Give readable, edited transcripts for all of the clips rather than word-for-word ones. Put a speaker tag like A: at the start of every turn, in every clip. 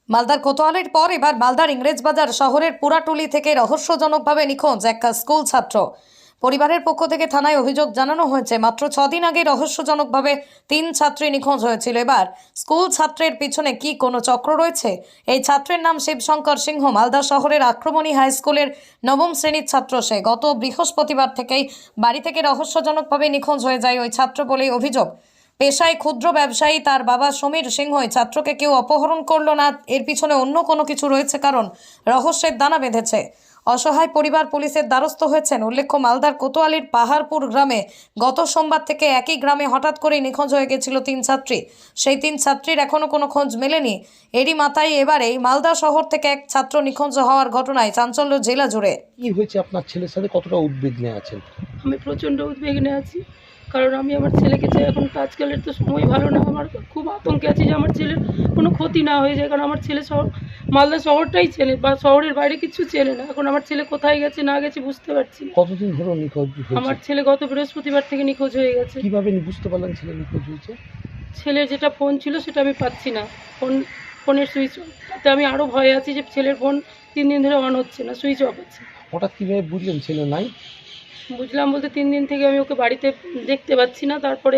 A: মালদার কোতোয়ালির পর এবার মালদার ইংরেজবাজার শহরের পুরাটুলি থেকে রহস্যজনকভাবে নিখোঁজ এক স্কুল ছাত্র। পরিবারের পক্ষ থেকে থানায় অভিযোগ জানানো হয়েছে, মাত্র 6 দিন আগে রহস্যজনকভাবে 3 ছাত্রী নিখোঁজ হয়েছিল। এবার স্কুল ছাত্রের পিছনে কি কোনো চক্র রয়েছে? এই ছাত্রের নাম শিবশঙ্কর সিংহ। মালদা শহরের আক্রমণী হাই স্কুলের 9ম শ্রেণীর ছাত্র সে। গত বৃহস্পতিবার থেকেই বাড়ি থেকে রহস্যজনকভাবে নিখোঁজ হয়ে যায় ওই ছাত্র বলেই অভিযোগ। পেশায় ক্ষুদ্র ব্যবসায়ী তার বাবা সমীর সিংহই। ছাত্রকে কেউ অপহরণ করলো না, এর পিছনে অন্য কোনো কিছু রয়েছে, কারণ রহস্যের দানা বেঁধেছে। অসহায় পরিবার পুলিশের দ্বারস্থ হয়েছেন। উল্লেখ্য, মালদার কোতোয়ালির পাহাড়পুর গ্রামে গত সোমবার থেকে একই গ্রামে হঠাৎ করেই নিখোঁজ হয়ে গেছিল 3 ছাত্রী। সেই 3 ছাত্রীর এখনো কোনো খোঁজ মেলেনি। এরই মাথায় এবারেই মালদা শহর থেকে এক ছাত্র নিখোঁজ হওয়ার ঘটনায় চাঞ্চল্য জেলা জুড়ে।
B: কি হয়েছে আপনার ছেলের সাথে, কতটা উদ্বিগ্নে আছেন?
C: আমি প্রচণ্ড উদ্বিগ্নে আছি, কারণ আমি আমার ছেলেকে চাই। এখন তো আজকালের তো সময় ভালো না, আমার খুব আতঙ্কে আছি যে আমার ছেলের কোনো ক্ষতি না হয়ে যায়। কারণ আমার ছেলে মালদা শহরটাই চেনে, বা শহরের বাইরে কিছু চেনে না। এখন আমার ছেলে কোথায় গেছে না গেছে বুঝতে পারছি না।
B: কতদিন ধরে নিখোঁজ হয়েছে?
C: আমার ছেলে গত বৃহস্পতিবার থেকে নিখোঁজ হয়ে গেছে।
B: কিভাবে বুঝতে পারলেন ছেলে নিখোঁজ হয়েছে?
C: ছেলের যেটা ফোন ছিল সেটা আমি পাচ্ছি না, ফোনের সুইচ অফ। তাতে আমি আরও ভয়ে আছি যে ছেলের ফোন 3 দিন ধরে অন হচ্ছে না, সুইচ অফ আছে।
B: হঠাৎ কিভাবে বুঝলেন ছেলে নাই?
C: বুঝলাম বলতে 3 দিন থেকে আমি ওকে বাড়িতে দেখতে পাচ্ছি না। তারপরে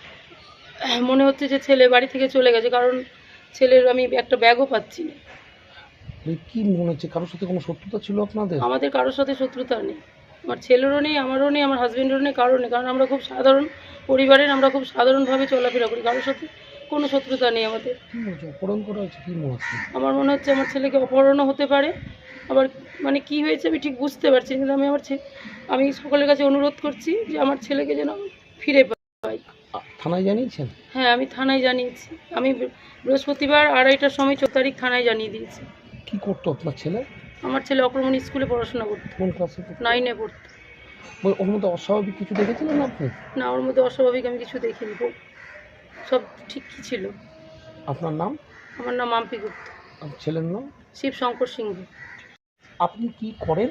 C: মনে হচ্ছে যে ছেলে বাড়ি থেকে চলে গেছে, কারণ ছেলের আমি একটা ব্যাগও পাচ্ছি না।
B: কি মনে হচ্ছে, কারোর সাথে কোনো শত্রুতা ছিল আপনাদের?
C: আমাদের কারোর সাথে শত্রুতা নেই, আমার ছেলেরও নেই, আমারও নেই, আমার হাজব্যান্ডেরও নেই, কারোর নেই। কারণ আমরা খুব সাধারণ পরিবারের, আমরা খুব সাধারণভাবে চলাফেরা করি, কারোর সাথে কোনো শত্রুতা নেই আমাদের।
B: কি মনে হচ্ছে অপহরণ করা হয়েছে? কি মনে হচ্ছে?
C: আমার মনে হচ্ছে আমার ছেলেকে অপহরণও হতে পারে, আবার মানে কি হয়েছে আমি ঠিক বুঝতে পারছি না। কিন্তু আমি সকলের কাছে অনুরোধ করছি যে আমার ছেলেকে যেন ফিরে পাই।
B: থানায় জানিয়েছেন?
C: হ্যাঁ, আমি থানায় জানিয়েছি। আমি বৃহস্পতিবার 2:30টার সময় 14 তারিখ থানায় জানিয়ে দিয়েছি।
B: কি করতো আপনার ছেলে?
C: আমার ছেলে অক্রমণী স্কুলে পড়াশোনা করতো,
B: কোন ক্লাসে?
C: 9-এ পড়তো।
B: ওর মধ্যে অস্বাভাবিক কিছু দেখেছিলেন আপনি?
C: না, ওর মধ্যে অস্বাভাবিক আমি কিছু দেখিনি, সব ঠিকই ছিল।
B: আপনার নাম?
C: আমার নাম মাম্পি গুপ্ত।
B: আপনার ছেলের নাম?
C: শিবশঙ্কর সিংহ।
B: আপনি কি করেন?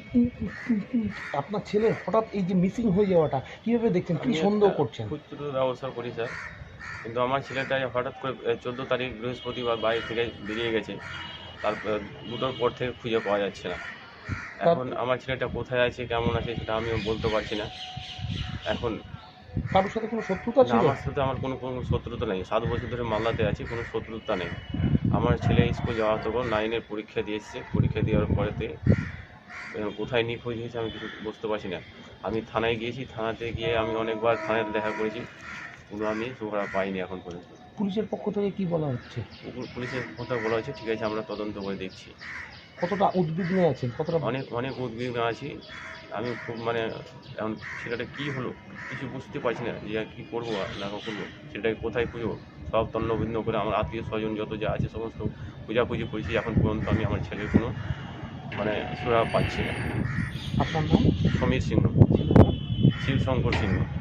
B: আপনার ছেলে হঠাৎ এই যে মিসিং হয়ে যাওয়াটা কিভাবে দেখছেন, কি সন্দেহ করছেন?
D: খুচরো ব্যবসা করি স্যার, কিন্তু আমার ছেলেটা হঠাৎ করে 14 তারিখ বৃহস্পতিবার বাড়ি থেকে বেরিয়ে গেছে। তারপর 2টোর পর থেকে খুঁজে পাওয়া যাচ্ছে না। এখন আমার ছেলেটা কোথায় আছে, কেমন আছে, সেটা আমিও বলতে পারছি না। এখন
B: কারোর সাথে কোনো শত্রুতা
D: না,
B: ছিল?
D: আমার সাথে আমার কোনো শত্রুতা নেই। 7 বছর ধরে মালদাতে আছি, কোনো শত্রুতা নেই। আমার ছেলে স্কুল যাওয়া তখন 9-এর পরীক্ষা দিয়েছে। পরীক্ষা দেওয়ার পরেতে কোথায় নিখোঁজ হয়েছে আমি কিছু বুঝতে পারছি না। আমি থানায় গিয়েছি, থানাতে গিয়ে আমি অনেকবার থানায় দেখা করেছি, কোনো আমি সুরা পাইনি এখন পর্যন্ত।
B: পুলিশের পক্ষ থেকে কি বলা হচ্ছে?
D: পুলিশের কথা বলা হয়েছে, ঠিক আছে আমরা তদন্ত করে দেখছি।
B: কতটা উদ্বিগ্নে আছেন? কতটা?
D: অনেক উদ্বিগ্ন আছি আমি খুব। এখন ছেলেটা কী হলো কিছু বুঝতে পারছি না, যে কী করবো না করবো, সেটাকে কোথায় খুঁজবো। সব তন্নভিন্ন করে আমার আত্মীয় স্বজন যত যা আছে সমস্ত খোঁজাখুঁজি করেছি। এখন পর্যন্ত আমি আমার ছেলের কোনো সুরা পাচ্ছি না।
B: আপনার নাম?
D: সমীর সিংহ, শিবশঙ্কর সিংহ।